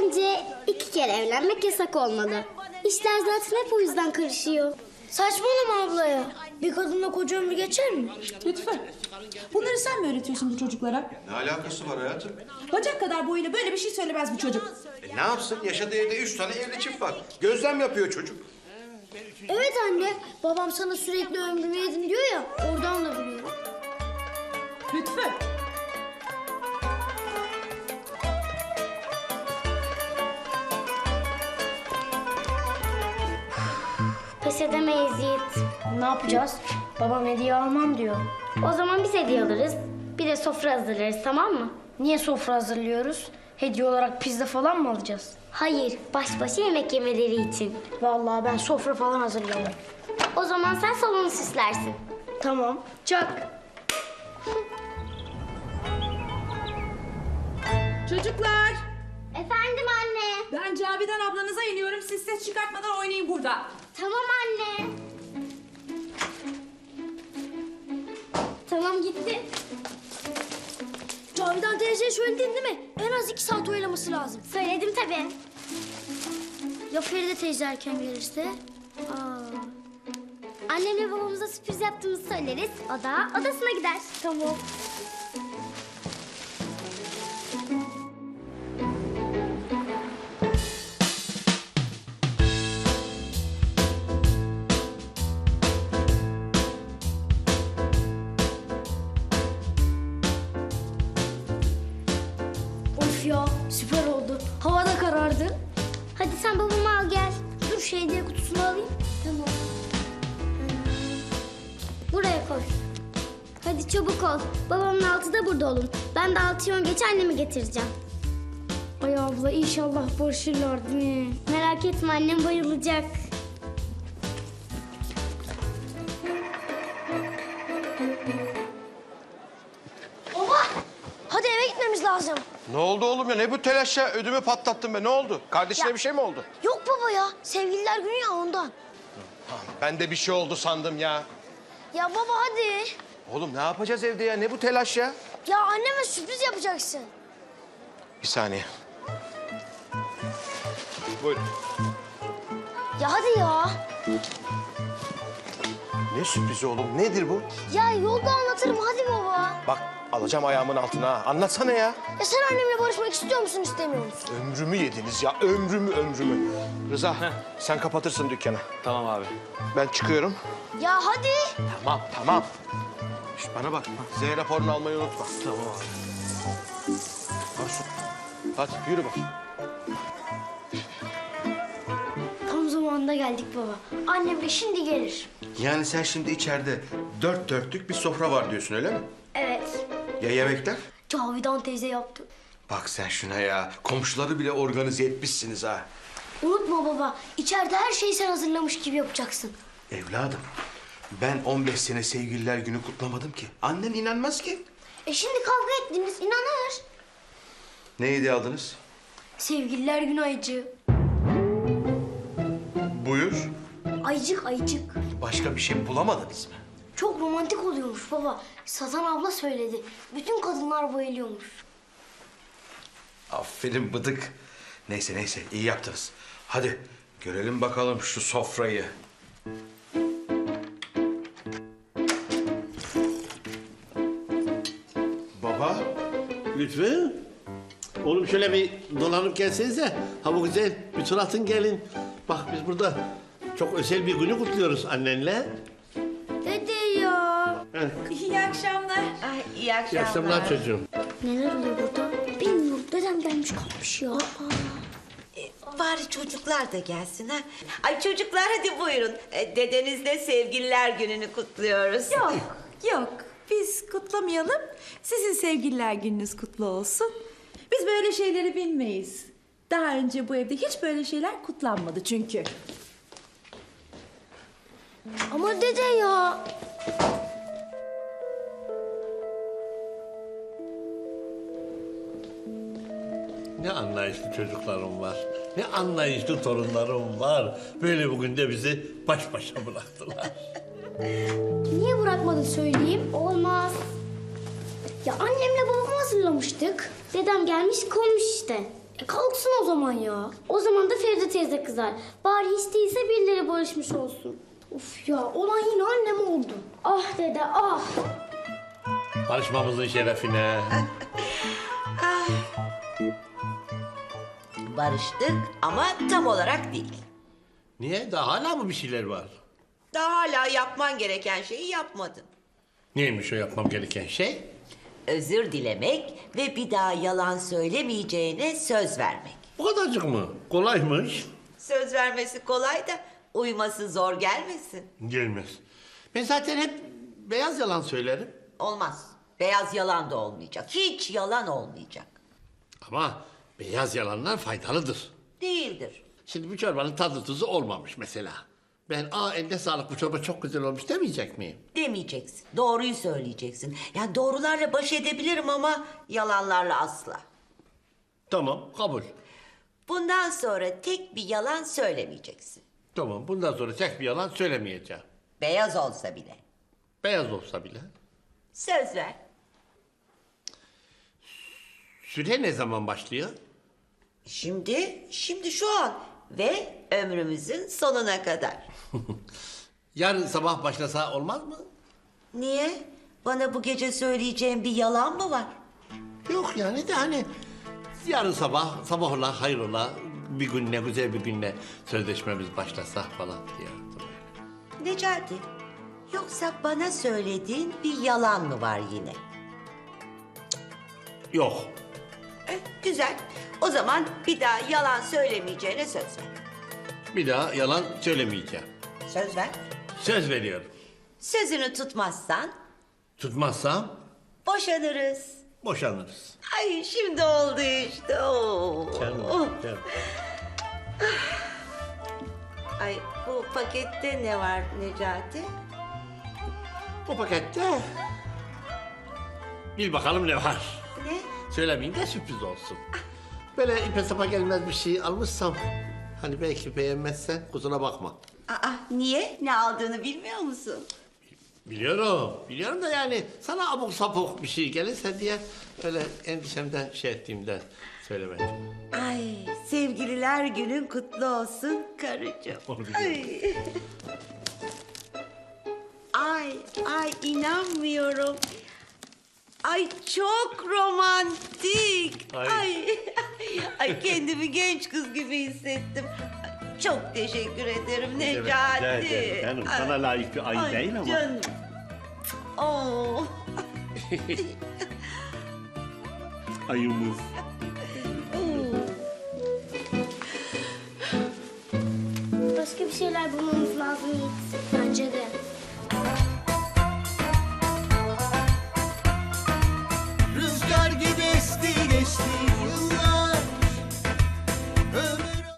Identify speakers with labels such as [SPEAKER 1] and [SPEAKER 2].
[SPEAKER 1] Bence 2 kere evlenmek yasak olmalı. İşler zaten hep o yüzden karışıyor.
[SPEAKER 2] Saçmalama abla ya. Bir kadınla koca ömrü geçer mi?
[SPEAKER 3] Lütfen. Bunları sen mi öğretiyorsun bu çocuklara?
[SPEAKER 4] Ne alakası var hayatım?
[SPEAKER 3] Bacak kadar boyuyla böyle bir şey söylemez bu çocuk.
[SPEAKER 4] Ne yapsın? Yaşadığı evde 3 tane evli çift var. Gözlem yapıyor çocuk.
[SPEAKER 2] Evet anne. Babam sana sürekli ömrümü yedin diyor ya. Oradan da biliyorum.
[SPEAKER 3] Lütfen.
[SPEAKER 1] Pes edemeyiz Yiğit.
[SPEAKER 2] Ne yapacağız? Babam hediye almam diyor.
[SPEAKER 1] O zaman biz hediye alırız. Bir de sofra hazırlarız, tamam mı?
[SPEAKER 2] Niye sofra hazırlıyoruz? Hediye olarak pizza falan mı alacağız?
[SPEAKER 1] Hayır, baş başa yemek yemeleri için.
[SPEAKER 2] Vallahi ben sofra falan hazırlamam.
[SPEAKER 1] O zaman sen salonu süslersin.
[SPEAKER 2] Tamam. Çak.
[SPEAKER 3] Çocuklar.
[SPEAKER 1] Efendim anne.
[SPEAKER 3] Ben Cavidan ablanıza iniyorum. Siz ses çıkartmadan oynayın burada.
[SPEAKER 1] Tamam anne. Tamam gitti.
[SPEAKER 2] Cavidan teyzeye söyledin değil mi? En az 2 saat oyalaması lazım.
[SPEAKER 1] Söyledim tabii.
[SPEAKER 2] Ya Feride teyze erken gelirse?
[SPEAKER 1] Annemle babamıza sürpriz yaptığımızı söyleriz. O da odasına gider.
[SPEAKER 2] Tamam. Of ya süper oldu. Hava da karardı.
[SPEAKER 1] Hadi sen babamı al gel.
[SPEAKER 2] Dur şu hediye kutusunu alayım.
[SPEAKER 1] Tamam. Buraya koy. Hadi çabuk ol. Babamın altı da burada olun. Ben de 6'yı 10 geç annemi getireceğim.
[SPEAKER 2] Ay abla inşallah barışırlar değil mi?
[SPEAKER 1] Merak etme annem bayılacak.
[SPEAKER 2] Baba! Hadi eve gitmemiz lazım.
[SPEAKER 4] Ne oldu oğlum ya? Ne bu telaş ya? Ödümü patlattın be. Ne oldu? Kardeşine bir şey mi oldu?
[SPEAKER 2] Yok baba ya. Sevgililer günü ya ondan.
[SPEAKER 4] Ben de bir şey oldu sandım ya.
[SPEAKER 2] Ya baba hadi.
[SPEAKER 4] Oğlum ne yapacağız evde ya? Ne bu telaş ya?
[SPEAKER 2] Ya anneme sürpriz yapacaksın.
[SPEAKER 4] Bir saniye. Buyurun.
[SPEAKER 2] Ya hadi ya.
[SPEAKER 4] Ne sürprizi oğlum? Nedir bu?
[SPEAKER 2] Ya yolda anlatırım hadi baba.
[SPEAKER 4] Bak alacağım ayağımın altına ha. Anlatsana ya.
[SPEAKER 2] Ya sen annemle barışmak istiyor musun istemiyor musun?
[SPEAKER 4] Ömrümü yediniz ya. Ömrümü. Rıza sen kapatırsın dükkanı.
[SPEAKER 5] Tamam abi.
[SPEAKER 4] Ben çıkıyorum.
[SPEAKER 2] Ya hadi.
[SPEAKER 4] Tamam. Şş, bana bak. Z raporunu almayı unutma.
[SPEAKER 5] Tamam abi.
[SPEAKER 4] Arzu. Hadi yürü bak.
[SPEAKER 2] Tam zamanında geldik baba. Annem de şimdi gelir.
[SPEAKER 4] Yani sen şimdi içeride 4 dörtlük bir sofra var diyorsun öyle mi?
[SPEAKER 2] Evet.
[SPEAKER 4] Ya yemekler?
[SPEAKER 2] Cavidan teyze yaptı.
[SPEAKER 4] Bak sen şuna ya. Komşuları bile organize etmişsiniz ha.
[SPEAKER 2] Unutma baba. İçeride her şeyi sen hazırlamış gibi yapacaksın.
[SPEAKER 4] Evladım ben 15 sene sevgililer günü kutlamadım ki. Annen inanmaz ki.
[SPEAKER 2] Şimdi kavga ettiniz inanır.
[SPEAKER 4] Ne hediye aldınız?
[SPEAKER 2] Sevgililer günü ayıcı.
[SPEAKER 4] Buyur.
[SPEAKER 2] Ayıcık.
[SPEAKER 4] Başka bir şey bulamadınız mı?
[SPEAKER 2] Çok romantik oluyormuş baba. Sazan abla söyledi. Bütün kadınlar bayılıyormuş.
[SPEAKER 4] Aferin bıdık. Neyse iyi yaptınız. Hadi görelim bakalım şu sofrayı. Baba.
[SPEAKER 6] Lütfü. Oğlum şöyle bir dolanıp gelsenize. Ha bu güzel bir tur atın gelin. Bak biz burada çok özel bir günü kutluyoruz annenle.
[SPEAKER 2] Dede ya.
[SPEAKER 3] İyi akşamlar.
[SPEAKER 7] İyi akşamlar.
[SPEAKER 6] İyi akşamlar çocuğum.
[SPEAKER 2] Neler oluyor burada? Bilmiyorum. Dedem gelmiş kalmış ya.
[SPEAKER 7] Bari çocuklar da gelsin ha. Ay çocuklar hadi buyurun. Dedenizle sevgililer gününü kutluyoruz.
[SPEAKER 3] Yok. Biz kutlamayalım. Sizin sevgililer gününüz kutlu olsun. Biz böyle şeyleri bilmeyiz. Daha önce bu evde hiç böyle şeyler kutlanmadı çünkü.
[SPEAKER 2] Ama dede ya.
[SPEAKER 6] Ne anlayışlı çocuklarım var. Ne anlayışlı torunlarım var. Böyle bugün de bizi baş başa bıraktılar.
[SPEAKER 2] Niye bırakmadın söyleyeyim?
[SPEAKER 1] Olmaz. Ya annemle babamı hazırlamıştık. Dedem gelmiş koymuş işte.
[SPEAKER 2] Kalksın o zaman ya.
[SPEAKER 1] O zaman da Feride teyze kızar. Bari hiç değilse birileri barışmış olsun.
[SPEAKER 2] Of ya, olan yine annem oldu.
[SPEAKER 1] Ah dede ah.
[SPEAKER 6] Barışmamızın şerefine.
[SPEAKER 7] Barıştık ama tam olarak değil.
[SPEAKER 6] Niye? Daha hala mı bir şeyler var?
[SPEAKER 7] Daha hala yapman gereken şeyi yapmadın.
[SPEAKER 6] Neymiş o yapmam gereken şey?
[SPEAKER 7] Özür dilemek ve bir daha yalan söylemeyeceğine söz vermek.
[SPEAKER 6] Bu kadarcık mı? Kolaymış.
[SPEAKER 7] Söz vermesi kolay da uyması zor gelmesin.
[SPEAKER 6] Gelmez. Ben zaten hep beyaz yalan söylerim.
[SPEAKER 7] Olmaz. Beyaz yalan da olmayacak. Hiç yalan olmayacak.
[SPEAKER 6] Ama beyaz yalanlar faydalıdır.
[SPEAKER 7] Değildir.
[SPEAKER 6] Şimdi bu çorbanın tadı tuzu olmamış mesela. Ben eline sağlık bu çorba çok güzel olmuş demeyecek miyim?
[SPEAKER 7] Demeyeceksin. Doğruyu söyleyeceksin. Yani doğrularla baş edebilirim ama yalanlarla asla.
[SPEAKER 6] Tamam kabul.
[SPEAKER 7] Bundan sonra tek bir yalan söylemeyeceksin.
[SPEAKER 6] Tamam bundan sonra tek bir yalan söylemeyeceğim.
[SPEAKER 7] Beyaz olsa bile.
[SPEAKER 6] Beyaz olsa bile.
[SPEAKER 7] Söz ver.
[SPEAKER 6] Süre ne zaman başlıyor?
[SPEAKER 7] Şimdi şu an ve ömrümüzün sonuna kadar.
[SPEAKER 6] Yarın sabah başlasa olmaz mı?
[SPEAKER 7] Niye? Bana bu gece söyleyeceğin bir yalan mı var?
[SPEAKER 6] Yok yani de hani yarın sabah ola hayrola bir günle güzel bir günle sözleşmemiz başlasa falan diye.
[SPEAKER 7] Necati, yoksa bana söylediğin bir yalan mı var yine?
[SPEAKER 6] Yok.
[SPEAKER 7] Güzel. O zaman bir daha yalan söylemeyeceğine söz ver.
[SPEAKER 6] Bir daha yalan söylemeyeceğim.
[SPEAKER 7] Söz ver.
[SPEAKER 6] Söz veriyorum.
[SPEAKER 7] Sözünü tutmazsan
[SPEAKER 6] Tutmazsam
[SPEAKER 7] boşanırız.
[SPEAKER 6] boşanırız.
[SPEAKER 7] Ay şimdi oldu işte. Oo.
[SPEAKER 6] Canım.
[SPEAKER 7] Ay bu pakette ne var Necati?
[SPEAKER 6] Bu pakette bil bakalım ne var.
[SPEAKER 7] Ne?
[SPEAKER 6] Söylemeyeyim de sürpriz olsun. Böyle ipe sapa gelmez bir şey almışsam hani belki beğenmezsen kusura bakma.
[SPEAKER 7] Aa niye? Ne aldığını bilmiyor musun?
[SPEAKER 6] Biliyorum da yani sana abuk sapuk bir şey gelirse diye öyle endişemden şey ettiğimden söylemedim.
[SPEAKER 7] Ay sevgililer günün kutlu olsun karıcığım.
[SPEAKER 6] Onu biliyorum.
[SPEAKER 7] Ay inanmıyorum. Ay çok romantik.
[SPEAKER 6] Ay.
[SPEAKER 7] Ay kendimi genç kız gibi hissettim. Çok teşekkür ederim Necati.
[SPEAKER 6] Canım sana layık bir ay değil ama.
[SPEAKER 7] Canım. Oo.
[SPEAKER 6] Ayımız.
[SPEAKER 1] Başka bir şeyler bulmamız lazım Yiğit.
[SPEAKER 2] Bence de.